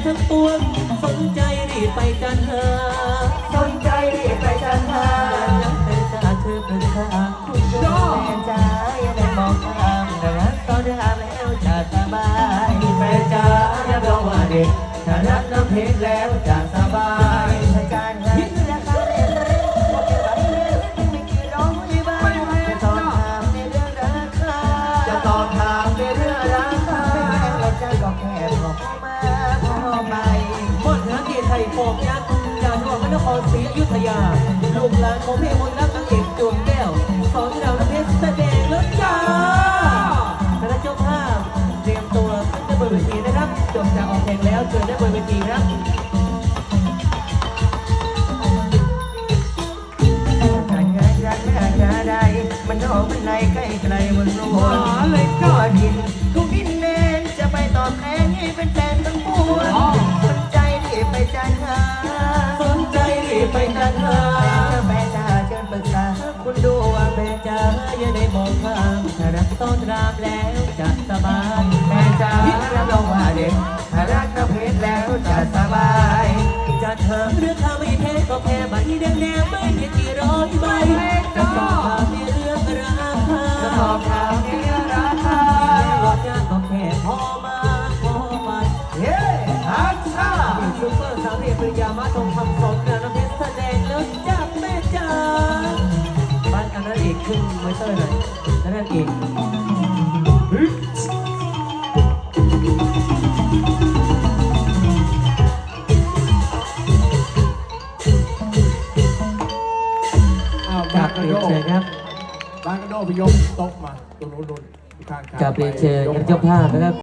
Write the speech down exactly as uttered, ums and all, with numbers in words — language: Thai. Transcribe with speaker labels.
Speaker 1: ทั้งปวงสนใจรีบไปจันหา
Speaker 2: สนใจรีบไปจันหา
Speaker 1: ยังเป็นจ่าเธอเป็นข้าคุณแม่จ๋าอย่าได้มองข้ามแต่รักตอนทำแล้วจะสบาย
Speaker 2: แม่จ๋าอย่าบอกว่าเด็กถ้ารักน้ำเพชรแล้วจะสบาย
Speaker 1: อาจารย์คิดราคาเรียนเลยบอกจะไปเรียนไม่กี่ร้องไม่บ้างจะตอบถามในเรื่องราคา
Speaker 2: จะตอบถามในเรื่องราคา
Speaker 1: เราจะก็แค่พอมาพอไปมดนักเกียรติไทยโฟมยักษ์จากจังหวัดพระนครศรีอยุธยาลูกหลานของพี่มนต์รักนางเอกดวงแก้วสอนเราน้ำเพชรแสดงแล้วจ้าคณะเจ้าภาพเตรียมตัวขึ้นได้บนเวทีนะครับจบจากออกเพลงแล้วเชิญได้บนเวทีครับ
Speaker 2: มันออกมันไหลใกล้ไกลมันโน้นเลยก็ดินทุกดินแดนจะไปตอบแทนให้เป็นแฟนทั้งปวงสนใจรีบไปจันหา
Speaker 1: สนใจรีบไปจันหา
Speaker 2: แม่จ๋าเชิญปรึกษา
Speaker 1: คุณดูว่าแม่จ๋าอย่าได้มองข้ามถ้ารักต้อนรับแล้วจะสบาย
Speaker 2: แม่จ๋ารับรองว่าเด็กถ้ารักน้ำเพชรแล้วจะสบาย
Speaker 1: จะเธอหรือถ้าไม่เทก็แค่ใบแดงแดงไม่เพียงกี่ร้อยใบจะสอบถามในเรื่องราคา
Speaker 2: จะสอบถามในเรื่องราคา
Speaker 1: รถยากก็แค่พอมาพอไป
Speaker 2: เฮ้ฮัชชา
Speaker 1: ซุปเปอร์สาวเรียปริยามาทองคำสอนงานน้ำเพชรแสดงแล้วจ้าแม่จ๋าบ้านอันนั้นอีกขึ้นไมเตอร์หน่อยอันนั้นอีกเรียนเชิญครับ
Speaker 2: บ้านกระโดดไปยกโต๊ะมาตรงนู้นๆข้างๆ
Speaker 1: กับเรียนเชิญเจ้าภาพนะครับ